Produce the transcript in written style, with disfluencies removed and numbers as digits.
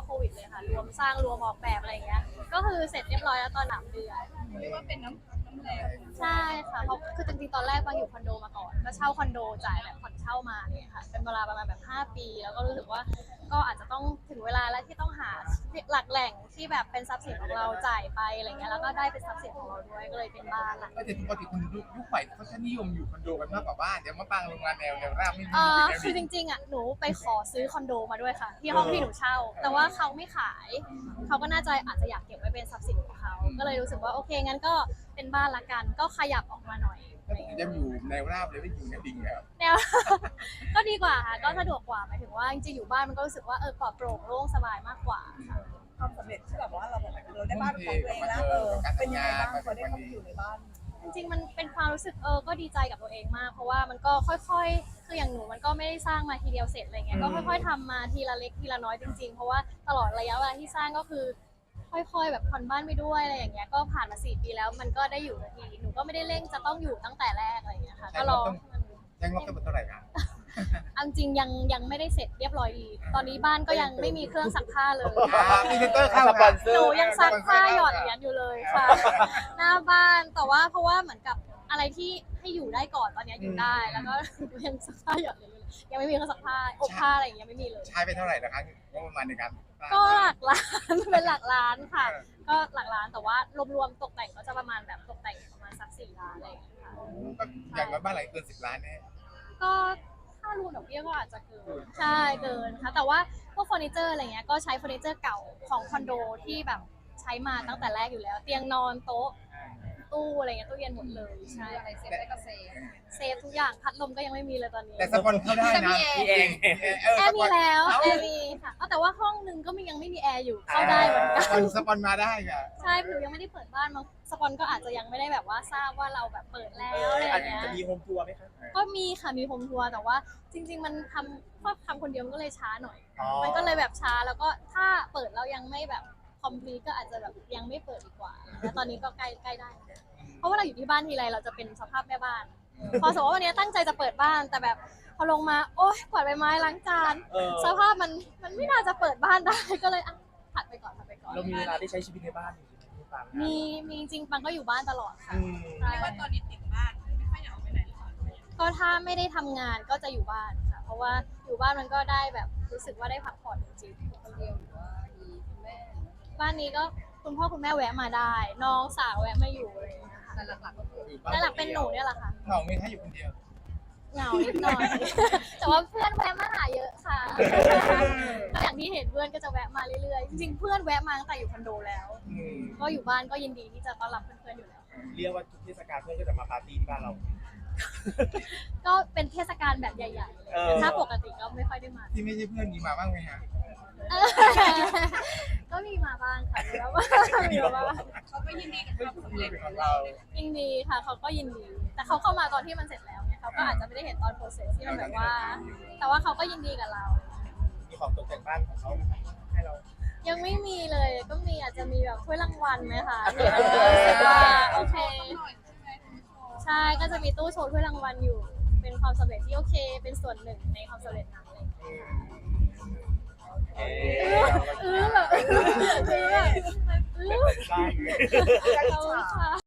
โควิดเลยค่ะรวมสร้างรวมออกแบบอะไรอย่างเงี้ยก็คือเสร็จเรียบร้อยแล้วตอน3 เดือนเรียกว่าเป็นน้ำพักน้ำแรงใช่ค่ะเพราะคือจริงๆตอนแรกบางอยู่คอนโดมาก่อนก็เช่าคอนโดจ่ายแบบผ่อนเช่ามาเนี่ยค่ะเป็นเวลาประมาณแบบ5 ปีแล้วก็รู้สึกว่าก็อาจจะต้องถึงเวลาแล้วที่ต้องหาหลักแหล่งที่แบบเป็นทรัพย์สินของเราจ่ายไปอะไรเงี้ยแล้วก็ได้เป็นทรัพย์สินของเราด้วยก็เลยเป็นบ้านหลังก็จะปกติคนยุคใหม่เขาจะนิยมอยู่คอนโดกันมากกว่าบ้านเดี๋ยวมาปังโรงงานแนวราบไม่ดีแนวคือจดีริงๆอ่ะหนูไปขอซื้อคอนโดมาด้วยค่ะที่ห้องที่หนูเช่าแต่ว่าเขาไม่ขายเขาก็น่าจะอาจจะอยากเก็บไว้เป็นทรัพย์สินของเขาก็เลยรู้สึกว่าโอเคงั้นก็เป็นบ้านละกันก็ขยับออกมาหน่อยอะไรอย่างเงี้ยจะอยู่แนวราบเลยไม่อยู่แนวดิ่งแล้วแนว ก็ดีกว่าค่ะก็สะดวกกว่าหมายถึงว่าจริงๆอยู่บ้านมันก็รู้สึกว่าปลอดโปร่งโล่งสบายมากกว่าค่ะความสำเร็จที่แบบว่าเราได้บ้านของตัวเองแล้วเป็นยังไงบ้างพอได้เข้าไปอยู่ในบ้านจริงๆมันเป็นความรู้สึกก็ดีใจกับตัวเองมากเพราะว่ามันก็ค่อยๆคืออย่างหนูมันก็ไม่ได้สร้างมาทีเดียวเสร็จอะไรเงี้ยก็ค่อยๆทำมาทีละเล็กทีละน้อยจริงๆเพราะว่าตลอดระยะเวลาที่สร้างก็คือค่อยๆแบบผ่อนบ้านไปด้วยอะไรอย่างเงี้ยก็ผ่านมา4 ปีแล้วมันก็ได้อยู่สักทีหนูก็ไม่ได้เร่งจะต้องอยู่ตั้งแต่แรกอะไรอย่างเงี้ยค่ะก็รอยังงบทั้งหมดเท่าไหร่ครับเอาจริงยังไม่ได้เสร็จเรียบร้อยดีตอนนี้บ้านก็ยังไม่มีเครื่องซักผ้าเลยมีเซนเตอร์เข้าหนูยังซักผ้าหยอดเหรียญอยู่เลยค่ะ หน้าบ้านแต่ว่าเพราะว่าเหมือนกับอะไรที่ให้อยู่ได้ก่อนตอนนี้อยู่ได้แล้วก็ยังซักผ้าหยอดเหรียญอยู่เลยยังไม่มีเครื่องซักผ้าอบผ้าอะไรอย่างเงี้ยไม่มีเลยใช้ไปเท่าไหร่นะครับงบประมาณในการก็หลักล้าน เป็นหลักล้านค่ะ ก็หลักล้านแต่ว่ารวมๆตกแต่งก็จะประมาณแบบตกแต่งประมาณสัก4 ล้านอะไรอย่างเงี้ยค่ะก็อย่างน้อยบ้านหลังเกิน10 ล้านแน่ก็ถ้ารวมดอกเบี้ยก็อาจจะเกินใช่เกินค่ะแต่ว่าพวกเฟอร์นิเจอร์อะไรเงี้ยก็ใช้เฟอร์นิเจอร์เก่าของคอนโดที่แบบใช้มาตั้งแต่แรกอยู่แล้ว เตียงนอนโต๊ะตู้อะไรเงี้ยตู้เย็นหมดเลยใช่อะไรเซฟได้ก็เซฟทุกอย่างพัดลมก็ยังไม่มีเลยตอนนี้แต่สปอนเข้าได้นะมีเองแอร์มีแล้วแอร์มีค่ะแต่ว่าห้องนึงก็ยังไม่มีแอร์อยู่เข้าได้เหมือนกันสปอนมาได้ค่ะใช่หนูยังไม่ได้เปิดบ้านมาสปอนก็อาจจะยังไม่ได้แบบว่าทราบว่าเราแบบเปิดแล้วอะไรอย่างเงี้ยจะมีโฮมทัวร์ไหมคะก็มีค่ะมีโฮมทัวร์แต่ว่าจริง ๆ มันทำคนเดียวมันก็เลยช้าหน่อย มันก็เลยแบบช้าแล้วก็ถ้าเปิดแล้วยังไม่แบบคอมพลีทก็อาจจะแบบยังไม่เปิดดีกว่าแล้วตอนนี้ก็ใกล้ได้แล้วเพราะว่าเราอยู่ที่บ้านทีไรเราจะเป็นสภาพแม่บ้าน พอสมมติว่าวันนี้ตั้งใจจะเปิดบ้านแต่แบบพอลงมาโอ๊ยกวาดใบไม้ล้างจานสภาพมันไม่น่าจะเปิดบ้านได้ก็เลยผัดไปก่อนเรามีเวลาได้ใช้ชีวิตในบ้านอยู่ที่ปังมีจริงปังก็อยู่บ้านตลอดค่ะใช่เรียกว่าตอนนี้ติดบ้านไม่ค่อยอยากออกไปไหนเลยค่ะก็ถ้าไม่ได้ทำงานก็จะอยู่บ้านค่ะเพราะว่าอยู่บ้านมันก็ได้แบบรู้สึกว่าได้พักผ่อนจริงๆคนเดียวหรือว่ามีคุณแม่บ้านนี้ก็คุณพ่อคุณแม่แวะมาได้ น้องสาวแวะมาอยู่อะไรอย่างเงี้ยค่ะแต่หลักๆก็คือหลักเป็นหนูเนี่ยแหละค่ะเหงาไม่ให้อยู่คนเดียวเหงานิดหน่อย แต่ว่าเพื่อนแวะมาหาเยอะค่ะ ก็อย่างที่เห็นเพื่อนก็จะแวะมาเรื่อยๆจริงๆเพื่อนแวะมาตั้งแต่อยู่คอนโดแล้ว ก็อยู่บ้านก็ยินดีที่จะต้อนรับเพื่อนๆอยู่แล้วเรียกว่าทุกเทศกาลเพื่อนก็จะมาปาร์ตี้ที่บ้านเราก็เป็นเทศกาลแบบใหญ่ๆแต่ถ้าปกติก็ไม่ค่อยได้มาที่ไม่ใช่เพื่อนมีมาบ้างไหมฮะก็มีมาบ้างค่ะมีมาบ้างมีมาบ้างเขาก็ยินดีกับความสำเร็จของเรายินดีค่ะเขาก็ยินดี แต่เขาเข้ามาตอนที่มันเสร็จแล้วเนี่ยเขาก็อาจจะไม่ได้เห็นตอนโปรเซสที่มันแบบว่า แต่ว่าเขาก็ยินดีกับเรามีของตกแต่งบ้านของเขาให้เรายังไม่มีเลยก็มีอาจจะมีแบบถ้วยรางวัลไหมคะที่แบบว่ารู้สึกว่าโอเคหน่อยใช่ไหมใช่ก็จะมีตู้โชว์ถ้วยรางวัลอยู่ เป็นความสำเร็จที่โอเค เป็นส่วนหนึ่งในความสำเร็จนั้นเลย แบบแบบได้ขอบคุณค่ะ